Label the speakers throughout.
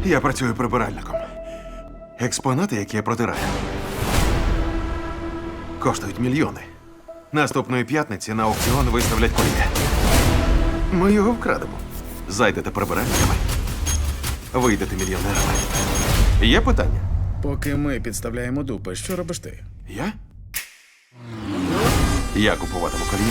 Speaker 1: Я працюю прибиральником. Експонати, які я протираю, коштують мільйони. Наступної п'ятниці на аукціон виставлять кольє. Ми його вкрадемо. Зайдете прибиральниками, вийдете мільйонерами. Є питання?
Speaker 2: Поки ми підставляємо дупи, що робиш ти?
Speaker 1: Я? Я купуватиму кольє.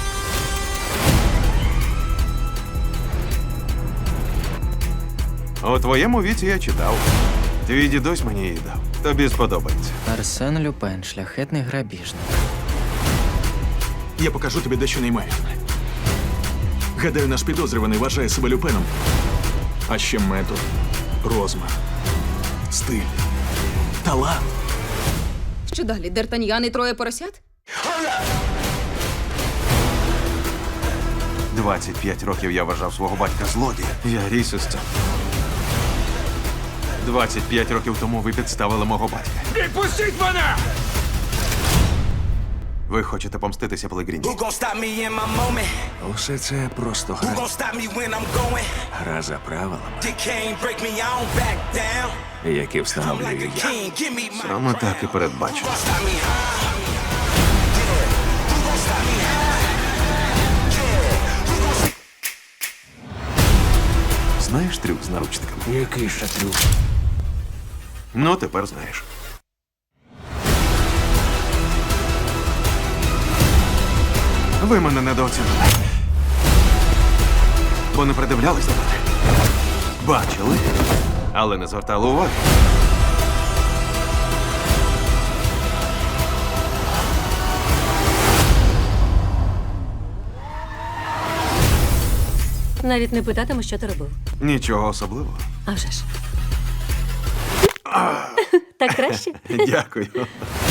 Speaker 1: У твоєму віці я читав. Твій дідусь мені її дав. Тобі сподобається.
Speaker 3: Арсен Люпен, шляхетний грабіжник.
Speaker 4: Я покажу тобі дещо неймовірне. Гадаю, наш підозрюваний вважає себе Люпеном. А ще метод, розмах, стиль, талант.
Speaker 5: Що далі? Д'Артаньян і троє поросят?
Speaker 1: 25 років я вважав свого батька злодієм. Я ріс із цим. 25 років тому ви підставили мого батька.
Speaker 4: Відпустіть мене!
Speaker 1: Ви хочете помститися Пелегріні?
Speaker 6: Who gon' stop me in my moment?
Speaker 4: Усе це просто
Speaker 6: Who
Speaker 4: гра.
Speaker 6: gon' stop me when I'm going?
Speaker 4: Гра за правилами,
Speaker 6: They can't break me, I don't back down.
Speaker 4: які
Speaker 6: I'm
Speaker 4: встановлюю
Speaker 6: like a
Speaker 4: я.
Speaker 6: king, give me my
Speaker 1: Саме так і передбачено.
Speaker 6: Who gon' stop me high? Yeah. Who gon' stop me high? Yeah. Who gon'
Speaker 1: Знаєш трюк з наручниками?
Speaker 4: Який ще трюк?
Speaker 1: Ну, тепер знаєш. Ви мене недооцінили. Бо не придивлялись до мене. Бачили, але не звертали уваги.
Speaker 7: Навіть не питатиму, що ти робив.
Speaker 1: Нічого особливого.
Speaker 7: А вже ж. Так краще?
Speaker 1: Дякую.